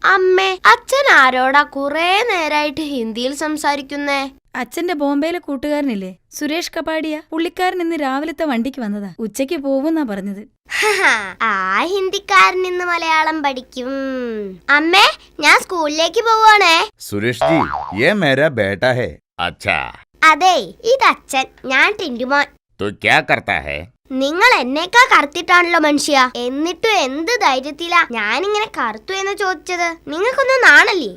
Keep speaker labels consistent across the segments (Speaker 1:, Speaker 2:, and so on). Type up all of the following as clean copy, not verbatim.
Speaker 1: അമ്മേ, അച്ഛൻ ആരോടാ കുറെ നേരായിട്ട് ഹിന്ദിയിൽ സംസാരിക്കുന്നേ?
Speaker 2: അച്ഛന്റെ ബോംബെയിലെ കൂട്ടുകാരനില്ലേ, സുരേഷ് കപാടിയ. പുള്ളിക്കാരൻ ഇന്ന് രാവിലത്തെ വണ്ടിക്ക് വന്നതാ. ഉച്ചയ്ക്ക് പോവുന്നാ പറഞ്ഞത്.
Speaker 1: ആ ഹിന്ദിക്കാരൻ ഇന്ന് മലയാളം പഠിക്കും. അമ്മേ, ഞാൻ സ്കൂളിലേക്ക് പോവാണേ.
Speaker 3: സുരേഷ് ജി, യേ മേരാ ബേട്ടാ ഹൈ. അച്ഛാ.
Speaker 1: അതെ, ഇത് അച്ഛൻ, ഞാൻ ടിന്റുമോൻ.
Speaker 3: तो क्या करता है?
Speaker 1: നിങ്ങൾ എന്നേക്കാ കറുത്തിട്ടാണല്ലോ മനുഷ്യ. എന്നിട്ടും എന്ത് ധൈര്യത്തിലാ ഞാനിങ്ങനെ കറുത്തു എന്ന് ചോദിച്ചത്? നിങ്ങൾക്കൊന്നും നാണല്ലേ?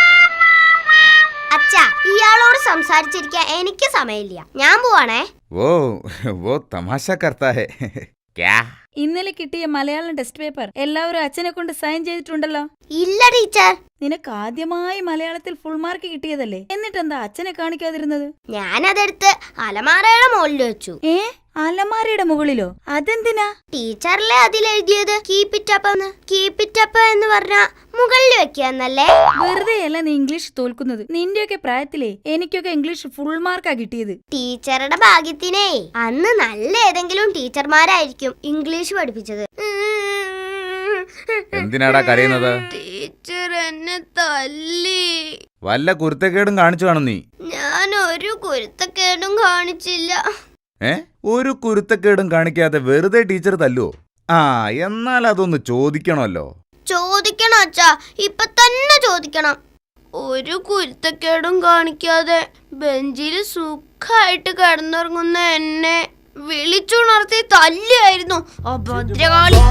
Speaker 1: അച്ഛാ, ഇയാളോട് സംസാരിച്ചിരിക്കാൻ എനിക്ക് സമയമില്ല. ഞാൻ പോവാണേ.
Speaker 3: वो तमाशा करता है. क्या?
Speaker 2: ഇന്നലെ കിട്ടിയ മലയാളം ടെസ്റ്റ് പേപ്പർ എല്ലാവരും അച്ഛനെ കൊണ്ട് സൈൻ ചെയ്തിട്ടുണ്ടല്ലോ.
Speaker 1: ഇല്ല ടീച്ചർ.
Speaker 2: നിനക്ക് ആദ്യമായി മലയാളത്തിൽ ഫുൾ മാർക്ക് കിട്ടിയതല്ലേ, എന്നിട്ടെന്താ അച്ഛനെ കാണിക്കാതിരുന്നത്?
Speaker 1: ഞാനതെടുത്ത് അലമാരയുടെ മുകളിൽ വെച്ചു.
Speaker 2: അലമാരയുടെ മുകളിലോ? അതെന്തിനാ?
Speaker 1: ടീച്ചറിലെ അതിലെഴുതിയത് കീപ് ഇറ്റ് അപ്പ് എന്ന്. കീപ് ഇറ്റ് അപ്പ് എന്ന് പറഞ്ഞാ മുകളിൽ വെക്കാന്നല്ലേ?
Speaker 2: വെറുതെ അല്ല നീ ഇംഗ്ലീഷ് തോൽക്കുന്നത്. നിന്റെയൊക്കെ പ്രായത്തിലേ എനിക്കൊക്കെ ഇംഗ്ലീഷ് ഫുൾ മാർക്കാ കിട്ടിയത്.
Speaker 1: ടീച്ചറുടെ ഭാഗ്യത്തിനേ അന്ന് നല്ല ഏതെങ്കിലും ടീച്ചർമാരായിരിക്കും ഇംഗ്ലീഷ് പഠിപ്പിച്ചത്.
Speaker 3: എന്തിനാടാ കരയുന്നത്?
Speaker 1: ടീച്ചർ എന്നെ തല്ലി.
Speaker 3: വല്ല കുരുത്തക്കേടും കാണിച്ചു കാണും നീ?
Speaker 1: ഞാൻ ഒരു കുരുത്തക്കേടും കാണിച്ചില്ല.
Speaker 3: ഒരു കുരുത്തക്കേടും കാണിക്കാതെ വെറുതെ ടീച്ചർ തല്ലുവോ? എന്നാൽ അതൊന്ന് ചോദിക്കണമല്ലോ.
Speaker 1: ചോദിക്കണം അച്ഛാ, ഇപ്പൊ തന്നെ ചോദിക്കണം. ഒരു കുരുത്തക്കേടും കാണിക്കാതെ ബെഞ്ചിൽ സുഖമായിട്ട് കിടന്നുറങ്ങുന്ന എന്നെ വിളിച്ചുണർത്തി തല്ലിയായിരുന്നു അഭദ്രകാളി.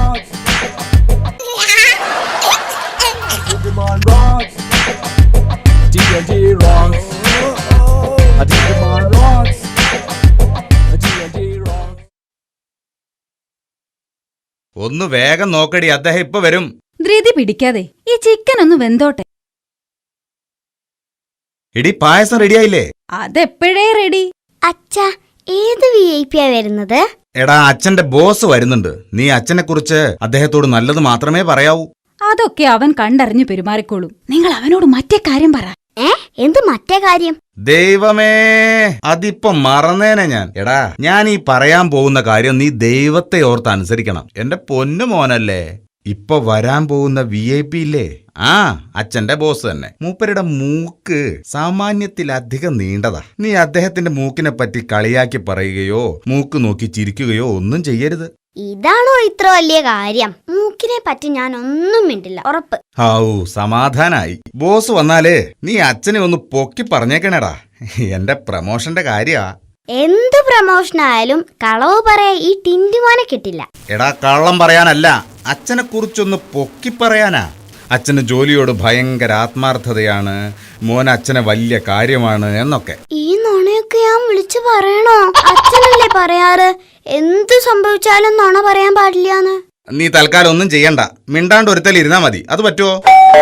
Speaker 3: ഒന്ന് വേഗം നോക്കടി, അദ്ദേഹം ഇപ്പൊ വരും.
Speaker 2: ധൃതി പിടിക്കാതെ ഈ ചിക്കൻ ഒന്ന് വെന്തോട്ടെ.
Speaker 3: ഇടി, പായസം റെഡിയായില്ലേ?
Speaker 2: അതെപ്പോഴേ റെഡി.
Speaker 1: അച്ഛാ, ഏത് VIP വരുന്നത്?
Speaker 3: എടാ, അച്ഛന്റെ ബോസ് വരുന്നുണ്ട്. നീ അച്ഛനെ കുറിച്ച് അദ്ദേഹത്തോട് നല്ലത് മാത്രമേ പറയാവൂ.
Speaker 2: അതൊക്കെ അവൻ കണ്ടറിഞ്ഞു പെരുമാറിക്കോളും. നിങ്ങൾ അവനോട് മറ്റേ കാര്യം പറ.
Speaker 1: എന്ത് മറ്റേ കാര്യം?
Speaker 3: ദൈവമേ, അതിപ്പോ മറന്നേനെ ഞാൻ. എടാ, ഞാൻ ഈ പറയാൻ പോകുന്ന കാര്യം നീ ദൈവത്തെ ഓർത്ത് അനുസരിക്കണം. എന്റെ പൊന്നു മോനല്ലേ. ഇപ്പൊ വരാൻ പോകുന്ന VIP ഇല്ലേ, അച്ഛന്റെ ബോസ് തന്നെ. മൂപ്പരുടെ മൂക്ക് സാമാന്യത്തിലധികം നീണ്ടതാ. നീ അദ്ദേഹത്തിന്റെ മൂക്കിനെ പറ്റി കളിയാക്കി പറയുകയോ മൂക്ക് നോക്കി ചിരിക്കുകയോ ഒന്നും ചെയ്യരുത്.
Speaker 1: ഇതാണോ ഇത്ര വലിയ കാര്യം? മൂക്കിനെ പറ്റി ഞാൻ ഒന്നും മിണ്ടില്ല, ഉറപ്പ്.
Speaker 3: സമാധാനായി. ബോസ് വന്നാലേ നീ അച്ഛനെ ഒന്ന് പൊക്കി പറഞ്ഞേക്കണേടാ. എന്റെ പ്രമോഷന്റെ കാര്യാ.
Speaker 1: എന്ത് പ്രമോഷനായാലും കളവ് പറയാൻ ഈ ടിന്റുമോനെ കിട്ടില്ല.
Speaker 3: എടാ, കള്ളം പറയാനല്ല, അച്ഛനെ കുറിച്ചൊന്ന് പൊക്കി പറയാനാ. അച്ഛന് ജോലിയോട് ഭയങ്കര ആത്മാർത്ഥതയാണ്, മോൻ അച്ഛനെ വലിയ കാര്യമാണ് എന്നൊക്കെ.
Speaker 1: ഈ നുണയൊക്കെ ഞാൻ വിളിച്ചു പറയണോ? അച്ഛനല്ലേ പറയാറ് എന്ത് സംഭവിച്ചാലും നുണ പറയാൻ പാടില്ലാന്ന്.
Speaker 3: നീ തൽക്കാലം ഒന്നും ചെയ്യണ്ട, മിണ്ടാണ്ട് ഒരുത്തൽ ഇരുന്നാ മതി. അത് പറ്റുമോ?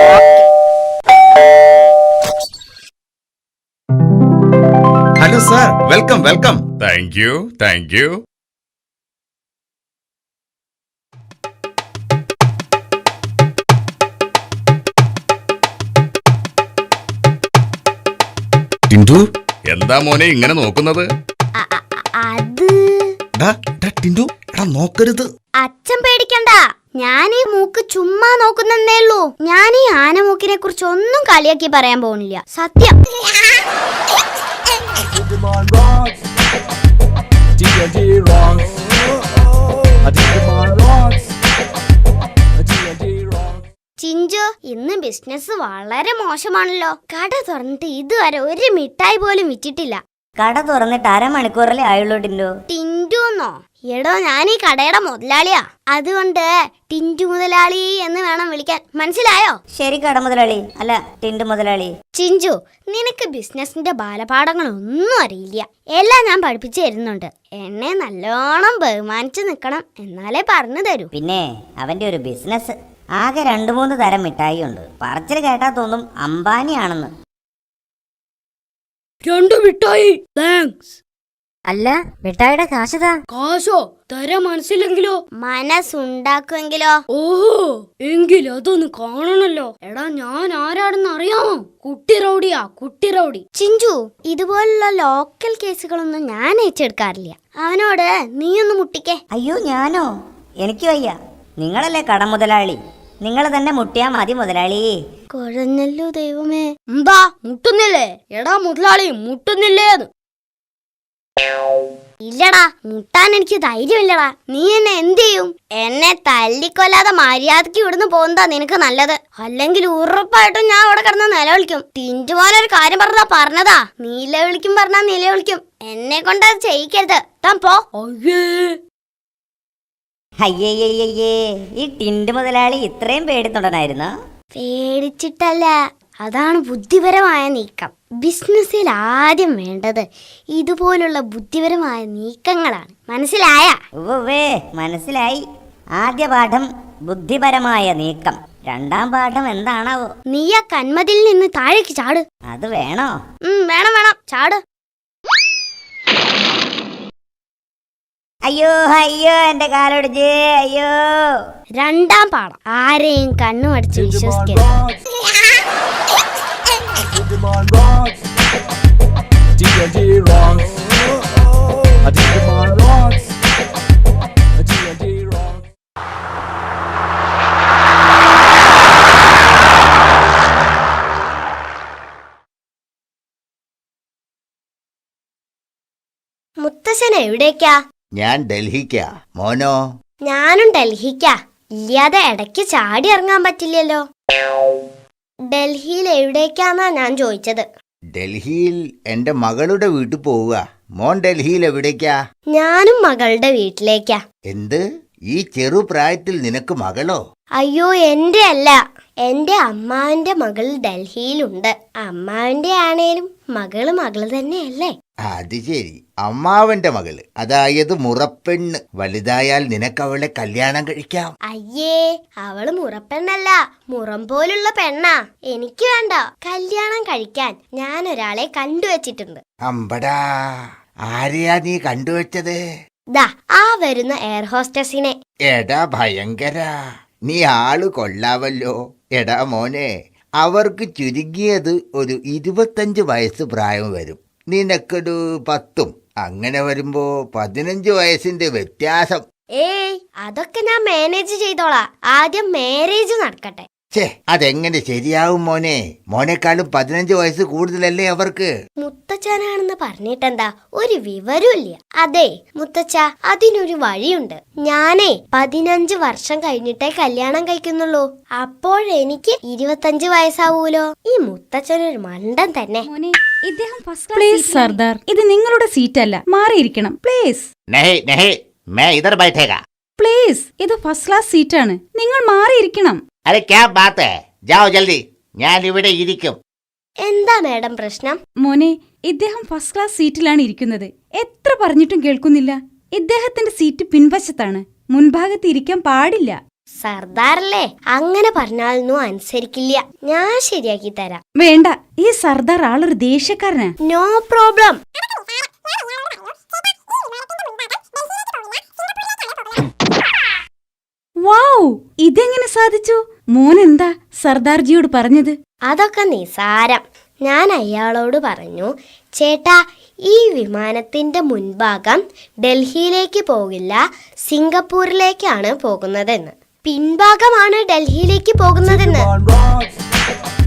Speaker 3: Hello sir, welcome welcome. Thank you thank you. Tintu, എന്താ മോനെ ഇങ്ങനെ നോക്കുന്നത്? ടിന്റു, എടാ നോക്കരുത്.
Speaker 1: അച്ഛൻ പേടിക്കണ്ട, ഞാൻ ഈ മൂക്ക് ചുമ്മാ നോക്കുന്നേ ഉള്ളൂ. ഞാൻ ഈ ആനമൂക്കിനെ കുറിച്ച് ഒന്നും കളിയാക്കി പറയാൻ പോകുന്നില്ല, സത്യം. ചിഞ്ചു, ഇന്ന് ബിസിനസ് വളരെ മോശമാണല്ലോ. കട തുറന്നിട്ട് ഇതുവരെ ഒരു മിഠായി പോലും വിറ്റിട്ടില്ല.
Speaker 4: കട തുറന്നിട്ട് അരമണിക്കൂറല്ലേ ആയുള്ളൂ ടിന്റു.
Speaker 1: ടിന്റുന്നോ? എടോ, ഞാൻ ഈ കടയുടെ മുതലാളിയാ. അതുകൊണ്ട് ടിന്റു മുതലാളി എന്ന് വേണം വിളിക്കാൻ, മനസ്സിലായോ?
Speaker 4: ശരി കട മുതലാളി, അല്ല ടിന്റു മുതലാളി.
Speaker 1: ചിഞ്ചു, നിനക്ക് ബിസിനസിന്റെ ബാലപാഠങ്ങളൊന്നും അറിയില്ല. എല്ലാം ഞാൻ പഠിപ്പിച്ചു തരുന്നുണ്ട്. എന്നെ നല്ലോണം ബഹുമാനിച്ചു നിൽക്കണം, എന്നാലേ പറഞ്ഞു തരൂ.
Speaker 4: പിന്നെ അവന്റെ ഒരു ബിസിനസ് ആകെ 2-3 തരം മിഠായി ഉണ്ട്. പറച്ചിൽ കേട്ടാ തോന്നും അംബാനിയാണെന്ന്.
Speaker 5: 2 മിഠായി, താങ്ക്സ്.
Speaker 4: അല്ല, മിഠായിയുടെ കാശതാ.
Speaker 5: കാശോ തരാൻ മനസ്സിലെങ്കിലോ?
Speaker 1: മനസ്സുണ്ടാക്കുമെങ്കിലോ?
Speaker 5: ഓഹോ, എങ്കിൽ അതൊന്ന് കാണണല്ലോ. എടാ, ഞാൻ ആരാടെന്ന് അറിയാമോ? കുട്ടി റൗഡിയാ, കുട്ടി റൗഡി.
Speaker 1: ചിഞ്ചു, ഇതുപോലുള്ള ലോക്കൽ കേസുകളൊന്നും ഞാൻ ഏറ്റെടുക്കാറില്ല. അവനോട് നീയൊന്ന് മുട്ടിക്കേ.
Speaker 4: അയ്യോ, ഞാനോ? എനിക്ക് വയ്യ. നിങ്ങളല്ലേ കട മുതലാളി. നിങ്ങൾ തന്നെ മുട്ടിയാ മതി മുതലാളി.
Speaker 1: കുഴഞ്ഞല്ലോ ദൈവമേ.
Speaker 5: എന്താ മുട്ടുന്നില്ലേ? എടാ മുതലാളി മുട്ടുന്നില്ലേന്ന്.
Speaker 1: ഇല്ലടാ, മുട്ടാൻ എനിക്ക് ധൈര്യമില്ലടാ. നീ എന്നെ എന്ത് ചെയ്യും? എന്നെ തല്ലിക്കൊല്ലാതെ മര്യാദക്ക് ഇവിടുന്ന് പോകുന്നതാ നിനക്ക് നല്ലത്. അല്ലെങ്കിൽ ഉറപ്പായിട്ടും ഞാൻ അവിടെ കിടന്ന് നിലവിളിക്കും. തിഞ്ചുമോനൊരു കാര്യം പറഞ്ഞതാ. നിലവിളിക്കും പറഞ്ഞാ നിലവിളിക്കും. എന്നെ കൊണ്ട് അത് ചെയ്യിക്കരുത്. താൻ പോ.
Speaker 4: അയ്യയ്യയ്യേ, ഈ ടിൻഡ് മുതലാളി ഇത്രയും പേടിത്തൊണ്ടനായിരുന്നോ?
Speaker 1: പേടിച്ചിട്ടല്ല, അതാണ് ബുദ്ധിപരമായ നീക്കം. ബിസിനസ്സിൽ ആദ്യം വേണ്ടത് ഇതുപോലുള്ള ബുദ്ധിപരമായ നീക്കങ്ങളാണ്. മനസ്സിലായ?
Speaker 4: ഉവ്വേ, മനസ്സിലായി. ആദ്യ പാഠം ബുദ്ധിപരമായ നീക്കം. രണ്ടാം പാഠം എന്താണാവോ?
Speaker 1: നീ ആ കന്മതിൽ നിന്ന് താഴേക്ക് ചാട്.
Speaker 4: അത് വേണോ?
Speaker 1: വേണം വേണം, ചാട്.
Speaker 4: അയ്യോ അയ്യോ, എന്റെ കാലൊടിച്ച്. അയ്യോ.
Speaker 1: രണ്ടാം പാഠം, ആരെയും കണ്ണുമടിച്ച് വിശ്വസിക്കരുത്.
Speaker 6: Digimon rocks. D&D rocks. A Digimon rocks. A D&D rocks.
Speaker 1: മുത്തശ്ശൻ എവിടേക്കാ?
Speaker 7: ഞാൻ ഡൽഹിക്കാ. മോനോ?
Speaker 1: ഞാനും ഡൽഹിക്കാ. ഇല്ലാതെ ഇടയ്ക്ക് ചാടി ഇറങ്ങാൻ പറ്റില്ലല്ലോ. ഡൽഹിയിൽ എവിടേക്കാന്നാ ഞാൻ ചോദിച്ചത്.
Speaker 7: ഡൽഹിയിൽ എന്റെ മകളുടെ വീട്ടിൽ പോവുക. മോൻ ഡൽഹിയിൽ എവിടേക്കാ?
Speaker 1: ഞാനും മകളുടെ വീട്ടിലേക്കാ.
Speaker 7: എന്ത്? ഈ ചെറുപ്രായത്തിൽ നിനക്ക് മകളോ?
Speaker 1: അയ്യോ, എന്റെ അല്ല, എന്റെ അമ്മാവന്റെ മകൾ ഡൽഹിയിലുണ്ട്. അമ്മാവന്റെ ആണേലും മകള് മകള് തന്നെയല്ലേ?
Speaker 7: അത് ശരി, അമ്മാവന്റെ മകള്, അതായത് മുറപ്പെണ്ണ്. വലുതായാൽ നിനക്കവളെ കല്യാണം കഴിക്കാം.
Speaker 1: അയ്യേ, അവള് മുറപ്പെണ്ണല്ല, മുറം പോലുള്ള പെണ്ണാ. എനിക്ക് വേണ്ട. കല്യാണം കഴിക്കാൻ ഞാൻ ഒരാളെ കണ്ടുവച്ചിട്ടുണ്ട്.
Speaker 7: അമ്പടാ, ആരെയാ നീ കണ്ടുവച്ചത്?
Speaker 1: ദാ ആ വരുന്ന എയർ ഹോസ്റ്റസിനെ.
Speaker 7: എടാ ഭയങ്കര, നീ ആള് കൊള്ളാവല്ലോ. എടാ മോനെ, അവർക്ക് ചുരുങ്ങിയത് ഒരു 25 വയസ്സ് പ്രായം വരും. നിനക്കൊരു 10. അങ്ങനെ വരുമ്പോ 15 വയസ്സിന്റെ വ്യത്യാസം.
Speaker 1: ഏയ്, അതൊക്കെ ഞാൻ മാനേജ് ചെയ്തോളാം. ആദ്യം മാരേജ് നടക്കട്ടെ.
Speaker 7: ഛേ, അതെങ്ങനെ ശരിയാവും മോനെ? മോനേക്കാളും 15 വയസ്സ് കൂടുതലല്ലേ അവർക്ക്?
Speaker 1: മുത്തച്ഛനാണെന്ന് പറഞ്ഞിട്ടെന്താ, ഒരു വിവരമില്ല. അതെ മുത്തച്ഛ, അതിനൊരു വഴിയുണ്ട്. ഞാനേ 15 വർഷം കഴിഞ്ഞിട്ടേ കല്യാണം കഴിക്കുന്നുള്ളൂ. അപ്പോഴെനിക്ക് 25 വയസ്സാവൂലോ. ഈ മുത്തച്ഛനൊരു മണ്ടൻ തന്നെ.
Speaker 2: പ്ലീസ് സർദാർ, ഇത് നിങ്ങളുടെ സീറ്റല്ല, മാറിയിരിക്കണം പ്ലീസ്.
Speaker 7: നഹി നഹി, മേ ഇധർ ബൈഠേഗാ.
Speaker 2: പ്ലീസ്, ഇത് ഫസ്റ്റ് ക്ലാസ് സീറ്റാണ്, നിങ്ങൾ മാറിയിരിക്കണം.
Speaker 7: അരെ ക്യാ ബാത് ഹൈ, ജാओ ജൽദി, ഞാൻ ഇവിടെ ഇരിക്കും.
Speaker 1: എന്താ മേഡം പ്രശ്നം?
Speaker 2: മോനെ, ഇദ്ദേഹം ഫസ്റ്റ് ക്ലാസ് സീറ്റിലാണ് ഇരിക്കുന്നത്. എത്ര പറഞ്ഞിട്ടും കേൾക്കുന്നില്ല. ഇദ്ദേഹത്തിന്റെ സീറ്റ് പിൻവശത്താണ്, മുൻഭാഗത്ത് ഇരിക്കാൻ പാടില്ല.
Speaker 1: സർദാറല്ലേ, അങ്ങനെ പറഞ്ഞാലൊന്നും അനുസരിക്കില്ല. ഞാൻ ശരിയാക്കി തരാം.
Speaker 2: വേണ്ട, ഈ സർദാർ ആളൊരു ദേഷ്യക്കാരനാ.
Speaker 1: No problem.
Speaker 2: വൗ, ഇതെങ്ങനെ സാധിച്ചു? മോനെന്താ സർദാർജിയോട് പറഞ്ഞത്?
Speaker 1: അതൊക്കെ നിസാരം. ഞാൻ അയാളോട് പറഞ്ഞു, ചേട്ടാ, ഈ വിമാനത്തിന്റെ മുൻഭാഗം ഡൽഹിയിലേക്ക് പോകില്ല, സിംഗപ്പൂരിലേക്കാണ് പോകുന്നതെന്ന്. പിൻഭാഗമാണ് ഡൽഹിയിലേക്ക് പോകുന്നതെന്ന്.
Speaker 6: Digimon rocks.